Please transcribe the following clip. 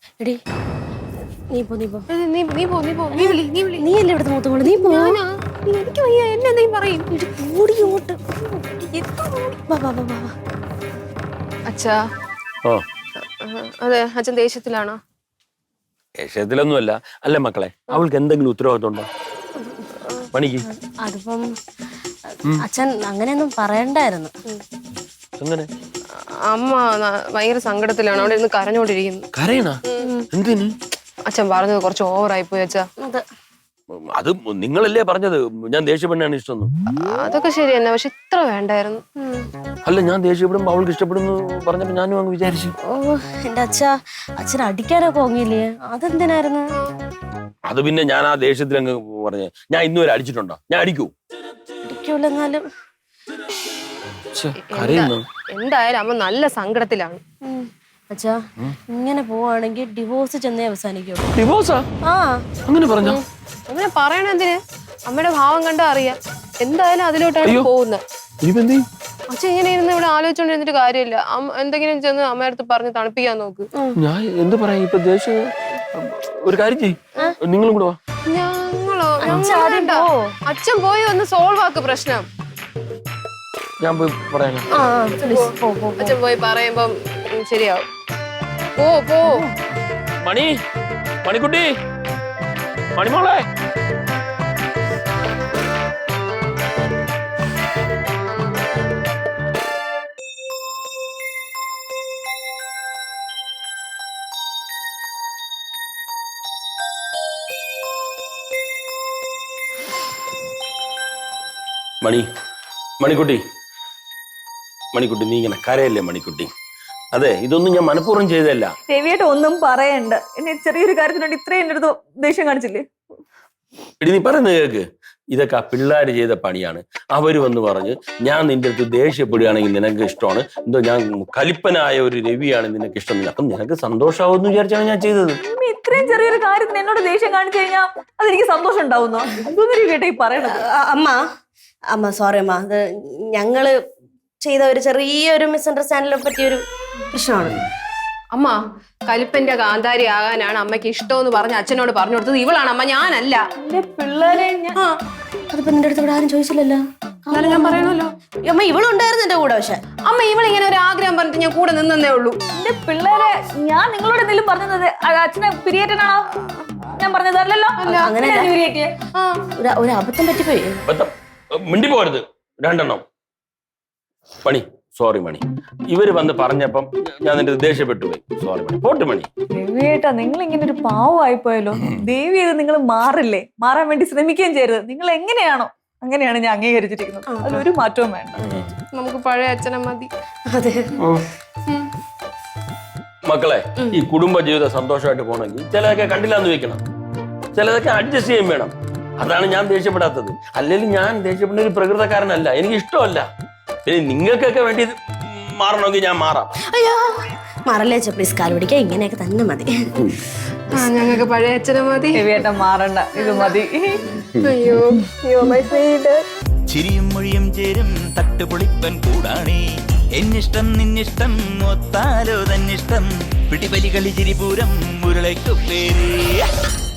എടി നീ പോ നീ വിളി. നീയല്ലേ ഇവിടുത്തെ മൂത്തമോള് നീ പോ. എനിക്ക് വയ്യ, എന്നെ എന്തെങ്കിലും പറയും. ഓടിയോട്ട് അച്ഛാ. അതെ, അച്ഛൻ ദേഷ്യത്തിലാണോ? ദേഷ്യത്തിലൊന്നുമല്ല. അല്ലേ മക്കളെ, അവൾക്ക് എന്തെങ്കിലും ഉത്തരവാദിത്വം ഉണ്ടോ പണിക്ക്? അതിപ്പം അച്ഛൻ അങ്ങനെയൊന്നും പറയണ്ടായിരുന്നു. അങ്ങനെ അമ്മ ഭയങ്കര സങ്കടത്തിലാണ്, അവിടെ ഇരുന്ന് കരഞ്ഞോണ്ടിരിക്കുന്നു. കരയണ എന്തിന്? അച്ഛൻ പറഞ്ഞത് കുറച്ച് ഓവറായി പോയി അച്ഛാ. അത് നിങ്ങളല്ലേ പറഞ്ഞത് ഞാൻ ദേഷ്യപ്പെടാണ് ഇഷ്ടം. അതൊക്കെ ശരി തന്നെ, പക്ഷെ ഇത്ര വേണ്ടായിരുന്നു. അല്ല, ഞാൻ ദേഷ്യപ്പെടുമ്പോ അവൾക്ക് ഇഷ്ടപ്പെടുന്നു പറഞ്ഞപ്പോ ഞാനും അങ്ങ് വിചാരിച്ചു. ഓ എന്റെ അച്ഛൻ അടിക്കാനൊക്കെ പോങ്ങില്ലേ, അതെന്തിനായിരുന്നു? അത് പിന്നെ ഞാൻ ആ ദേഷ്യത്തിൽ അങ്ങ് പറഞ്ഞ. ഞാൻ ഇന്നുവരെ അടിച്ചിട്ടുണ്ടോ? ഞാൻ അടിക്കൂ? അടിക്കൂലെന്നാലും എന്തായാലും അമ്മ നല്ല സങ്കടത്തിലാണ്. അച്ഛാ, ഇങ്ങനെ പോവാണെങ്കിൽ ഡിവോഴ്സ് ചെന്നേ അവസാനിക്കുള്ളൂ. ഡിവോഴ്സാ? ആ അങ്ങനെ പറഞ്ഞോ? അങ്ങനെ പറയണെന്തിന്? അമ്മയുടെ ഭാവം കണ്ടാ അറിയാം. എന്തായാലും അതിലോട്ടാണ് പോകുന്നത്. അച്ഛൻ ഇങ്ങനെ ഇരുന്ന് ഇവിടെ ആലോചിച്ചോണ്ടിരുന്നിട്ട് കാര്യമില്ല. എന്തെങ്കിലും ചെന്ന് അമ്മയുടെ അടുത്ത് പറഞ്ഞ് തണുപ്പിക്കാൻ നോക്ക്. ഞാൻ എന്ത് പറയാ ഇപ്പൊ? ദേഷ്യം ഒരു കാര്യം ചെയ്യ്, നിങ്ങളും കൂടെ വാ. ഞങ്ങളോ? അച്ഛൻ പോയി ഒന്ന് സോൾവ് ആക്ക് പ്രശ്നം. ഞാൻ പോയി പറയാനാ. അച്ഛൻ പോയി പറയുമ്പം ശരിയാവും. പോ. മണിക്കുട്ടി, മണിമോളെ. മണിക്കുട്ടി, നീ ഇങ്ങനെ കരയല്ലേ മണിക്കുട്ടി? അതെ, ഇതൊന്നും ഞാൻ മനഃപൂർവ്വം ചെയ്തല്ല. രവിയായിട്ട് ഒന്നും പറയണ്ട. എന്നെ ചെറിയൊരു കാര്യത്തിനുണ്ട് ഇത്രയും എൻ്റെ അടുത്ത് ദേഷ്യം കാണിച്ചില്ലേ? എടി, നീ പറയുന്നത് കേക്ക്. ഇതൊക്കെ ആ പിള്ളേര് ചെയ്ത പണിയാണ്. അവര് വന്ന് പറഞ്ഞ് ഞാൻ നിന്റെ അടുത്ത് ദേഷ്യപ്പെടുകയാണെങ്കിൽ നിനക്ക് ഇഷ്ടമാണ്, എന്തോ ഞാൻ കലിപ്പനായ ഒരു രവിയാണ് നിനക്ക് ഇഷ്ടമില്ല, അപ്പം നിനക്ക് സന്തോഷമാവെന്ന് വിചാരിച്ചാണ് ഞാൻ ചെയ്തത്. ഇത്രയും ചെറിയൊരു കാര്യത്തിന് എന്നോട് ദേഷ്യം കാണിച്ചു കഴിഞ്ഞാൽ അതെനിക്ക് സന്തോഷം ഉണ്ടാവുന്നോ? ഇതൊന്നും കേട്ടോ ഈ പറയണത്. അമ്മ സോറി അമ്മ, അത് ഞങ്ങള് ചെയ്ത ഒരു ചെറിയൊരു മിസ്അണ്ടർസ്റ്റാൻഡിനെ പറ്റിയൊരു പ്രശ്നമാണ്. അമ്മ കലിപ്പന്റെ കാന്താരി ആകാനാണ് അമ്മയ്ക്ക് ഇഷ്ടമെന്ന് പറഞ്ഞ് അച്ഛനോട് പറഞ്ഞു കൊടുത്തത് ഇവളാണ് അമ്മ, ഞാനല്ല. എന്റെ പിള്ളേരെ അതിപ്പോ നിന്റെ അടുത്ത് ഇവിടെ ആരും ചോദിച്ചില്ലല്ലോ. ഞാൻ പറയണല്ലോ. അമ്മ ഇവളുണ്ടായിരുന്നു എന്റെ കൂടെ. പക്ഷെ അമ്മ ഇവളിങ്ങനെ ഒരു ആഗ്രഹം പറഞ്ഞിട്ട് ഞാൻ കൂടെ നിന്നേ ഉള്ളൂ. എന്റെ പിള്ളേരെ ഞാൻ നിങ്ങളോട് എന്തെങ്കിലും പറഞ്ഞത് അച്ഛനെ പിരിയേറ്റനാണോ ഞാൻ പറഞ്ഞതല്ലോ? അങ്ങനെ ഒരു അബദ്ധം പറ്റിപ്പോയി. മിണ്ടി പോരുത് രണ്ടെണ്ണം. സോറി മണി, ഇവര് വന്ന് പറഞ്ഞപ്പം ഞാൻ നിന്റെ ദേഷ്യപ്പെട്ടു പോയി. സോറി മണി, പോട്ട് മണി. ദേവിയേട്ടാ, നിങ്ങൾ ഇങ്ങനെ ഒരു പാവമായിപ്പോയല്ലോ. ദേവി ഇത് നിങ്ങൾ മാറില്ലേ, മാറാൻ വേണ്ടി ശ്രമിക്കുകയും ചെയ്യരുത്. നിങ്ങൾ എങ്ങനെയാണോ അങ്ങനെയാണ് ഞാൻ അംഗീകരിച്ചിരിക്കുന്നത്. അതിലൊരു മാറ്റവും വേണ്ട. നമുക്ക് പഴയ അച്ഛനെ മതി. അതെ മക്കളെ, ഈ കുടുംബ ജീവിതം സന്തോഷമായിട്ട് പോകണമെങ്കിൽ ചിലതൊക്കെ കണ്ടില്ലാന്ന് വെക്കണം, ചിലതൊക്കെ അഡ്ജസ്റ്റ് ചെയ്യാൻ വേണം. അതാണ് ഞാൻ ദേഷ്യപ്പെടാത്തത്. അല്ലെങ്കിൽ ഞാൻ ദേഷ്യപ്പെടുന്ന ഒരു പ്രകൃതക്കാരനല്ല, എനിക്ക് ഇഷ്ടമല്ല. പിന്നെ നിങ്ങൾക്കൊക്കെ വേണ്ടി മാറണമെങ്കിൽ ഞാൻ മാറാം. അയ്യോ മാറല്ലേ അച്ഛാ, പ്ലീസ് കാൽ പിടിക്കാൻ. ഇങ്ങനെയൊക്കെ തന്നെ മതി. ഞങ്ങൾക്ക് പഴയ അച്ഛനെ മതി. രവിയേട്ടൻ മാറണ്ട, ഇത് മതി. അയ്യോ മൈ സ്വീറ്റ്. ചിരിയും മൊഴിയും ചേരും തട്ടുപൊളിപ്പൻ കൂടാണേ. എന്നിഷ്ടം നിന്നിഷ്ടം ഒത്താലോ തന്നിഷ്ടം. പിടിപലി കളി ചിരിപൂരം മുരളയ്ക്കു പേര്.